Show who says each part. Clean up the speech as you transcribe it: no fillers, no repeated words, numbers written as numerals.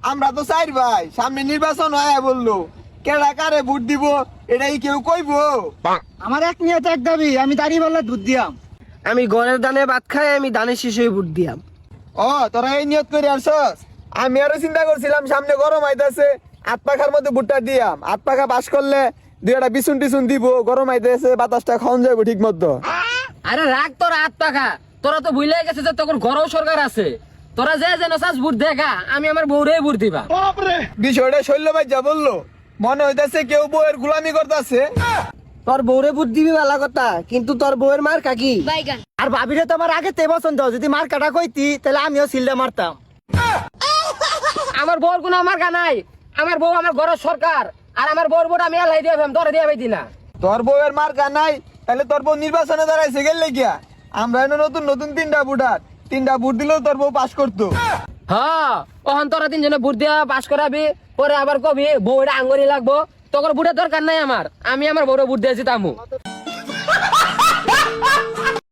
Speaker 1: আমরা তো চাই ভাই, সামনে নির্বাচন হয় বললো, কেডা কারে ভোট দিব এটাই কেউ কইবো?
Speaker 2: আমার এক নিয়ত এক দাবি, আমি দাঁড়িয়ে বললে দুধ দিয়াম।
Speaker 3: আমি ঘরের দানে ভাত খাই, আমি দানের শীষে ভোট দিয়াম।
Speaker 1: ও তোরা এই নিয়ত করে আসছস? আমি আরো চিন্তা করছিলাম সামনে গরম আইতাছে, আট পাখার মধ্যে ভুট্টা দিয়াম, আট পাখা পাস করলে দুই একটা বিছুন টিছুন দিব, গরম আইতেছে বাতাসটা খাওয়ান যাবো ঠিক মতো।
Speaker 4: আরে রাখ তোরা হাত পাখা, তোরা তো ভুলে গেছে যে তখন ঘরও সরকার আছে। তোরা যে যেন চাস ভোট দেখা, আমি আমার বউরে ভোট দিবা।
Speaker 1: বিষয়টা শৈল্য ভাই যা বললো, মনে হইতাছে কেউ বউয়ের গুলামি করতেছে।
Speaker 3: তোর বউরে ভোট দিবি ভালো কথা, কিন্তু তোর বউয়ের মার কাকি।
Speaker 2: আর ভাবিরে তো আমার আগে তে পছন্দ, যদি মার কাটা কইতি তাহলে আমিও সিলটা মারতাম।
Speaker 4: আমার বউর কোনো আমার গা নাই, আমার বউ আমার ঘরের সরকার, আর আমার বউর ভোট আমি এলাই দিয়ে তোরা দিয়ে পাইতি না।
Speaker 1: তোর বউয়ের মার নাই, তাহলে তোর বউ নির্বাচনে দাঁড়াইছে গেলে গিয়া। আমরা এনে নতুন নতুন তিনটা ভোট দিলেও তোর বউ পাস করতো।
Speaker 4: হ্যাঁ, ওখান তোরা তিনজনে ভোট দিয়া পাস করাবি, পরে আবার কবি বউটা আঙ্গুরি লাগবো। তোর ভোটের দরকার নাই আমার, আমি আমার বউরে ভোট দিয়ে জিতামু।